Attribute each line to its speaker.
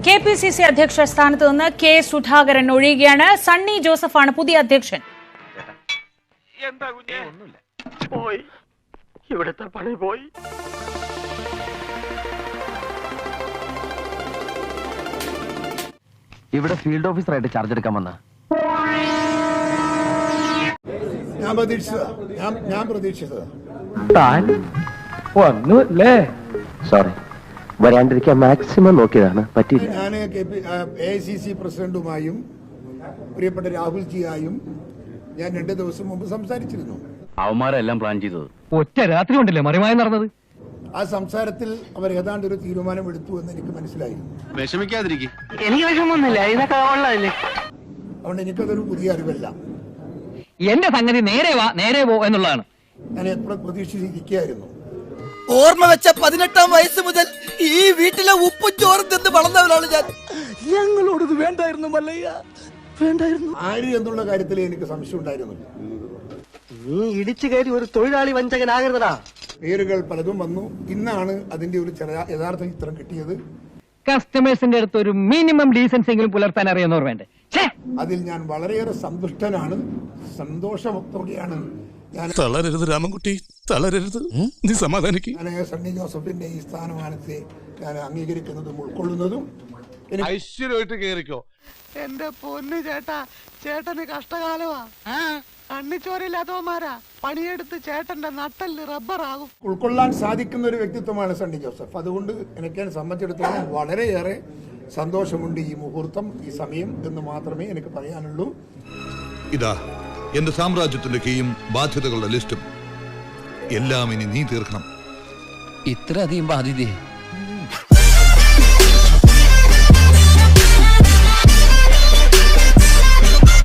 Speaker 1: KPCC അധ്യക്ഷ സ്ഥാനത്ത് നിന്ന് കെ സുധാകരൻ ഒഴിയുകയാണ്. സണ്ണി ജോസഫാണ് പുതിയ അധ്യക്ഷൻ.
Speaker 2: ഇവിടുത്തെ പണി പോയി.
Speaker 3: ഇവിടെ ഫീൽഡ് ഓഫീസറായിട്ട് ചാർജ് എടുക്കാൻ വന്ന
Speaker 4: ഞാൻ പ്രതീക്ഷിച്ചതാ.
Speaker 3: സോറി, വരാണ്ടിരിക്കാൻ മാക്സിമം നോക്കിയതാണ്, പറ്റിയില്ല.
Speaker 4: ഞാൻ AICC പ്രസിഡന്റുമായും പ്രിയപ്പെട്ട രാഹുൽജിയായും ഞാൻ 2 ദിവസം മുമ്പ് സംസാരിച്ചിരുന്നു.
Speaker 3: അവന്മാരെല്ലാം പ്ലാൻ ചെയ്തത്
Speaker 5: ഒറ്റ രാത്രി കൊണ്ടല്ലേ മറിമായി നടന്നത്.
Speaker 4: ആ സംസാരത്തിൽ അവർ ഏതാണ്ട് ഒരു തീരുമാനം എടുത്തു എന്ന് എനിക്ക് മനസ്സിലായി.
Speaker 3: വിഷമിക്കാതിരിക്കും.
Speaker 2: എനിക്ക് വിഷമൊന്നുമില്ല, ഇതൊക്കെ ഉള്ളതല്ലേ.
Speaker 4: അതുകൊണ്ട് എനിക്കതൊരു പുതിയ അറിവല്ല.
Speaker 5: എന്റെ സംഗതി നേരെ വാ നേരെ പോ എന്നുള്ളതാണ്.
Speaker 4: ഞാൻ എപ്പോഴും പ്രതീക്ഷിച്ചിരിക്കുകയായിരുന്നു.
Speaker 6: ഓർമ്മ വെച്ച 18-ാം വയസ്സ് മുതൽ ഈ വീട്ടിലെ ഉപ്പും ചോറും തിന്ന് വളർന്നവരാണ് ഞാൻ. ഞങ്ങളോടത് വേണ്ടായിരുന്നു മല്ലയ്യ, വേണ്ടായിരുന്നു.
Speaker 4: ആര് എന്നുള്ള കാര്യത്തിൽ എനിക്ക് സംശയം ഉണ്ടായിരുന്നു.
Speaker 2: നീ ഇടിച്ചു കയറി ഒരു തൊഴിലാളി വഞ്ചകനാകരുതടാ.
Speaker 4: പേരുകൾ പലതും വന്നു. ഇന്നാണ് അതിന്റെ ഒരു യഥാർത്ഥ ചിത്രം കിട്ടിയത്.
Speaker 5: കസ്റ്റമേഴ്സിന്റെ അടുത്ത് ഒരു മിനിമം ഡീസൻസ് എങ്കിലും പുലർത്താൻ അറിയുന്നവർ വേണ്ടേ.
Speaker 4: അതിൽ ഞാൻ വളരെയേറെ സന്തുഷ്ടനാണ്, സന്തോഷത്തോടെയാണ് ഞാൻ.
Speaker 7: തളരരുത് രാമൻകുട്ടി, തളരരുത്, നീ സമാധാനിക്ക്.
Speaker 4: ഞാൻ സണ്ണി ജോസഫിന്റെ ഈ സ്ഥാനമാനത്തെ ഞാൻ അംഗീകരിക്കുന്നതും ഉൾക്കൊള്ളുന്നതും.
Speaker 7: ഐശ്വര്യമായിട്ട് കേറിക്കോ.
Speaker 2: എന്റെ പൊന്നു ചേട്ടാ, ചേട്ടന് കഷ്ടകാലമാ. കണ്ണിച്ചോരില്ലാത്തവന്മാരാ പണിയെടുത്ത് ചേട്ടന്റെ നട്ടല് റബ്ബറാകും.
Speaker 4: ഉൾക്കൊള്ളാൻ സാധിക്കുന്ന ഒരു വ്യക്തിത്വമാണ് സണ്ണി ജോസഫ്. അതുകൊണ്ട് എനിക്ക് സംബന്ധിച്ചിടത്തോളം വളരെയേറെ സന്തോഷമുണ്ട്. ഈ മുഹൂർത്തം, ഈ സമയം എന്ന് മാത്രമേ എനിക്ക് പറയാനുള്ളൂ.
Speaker 7: ഇതാ എന്റെ സാമ്രാജ്യത്തിന്റെ കീയും ബാധ്യതകളുടെ ലിസ്റ്റും എല്ലാം ഇനി നീ തീർക്കണം.
Speaker 3: ഇത്രയധികം ബാധ്യതയെ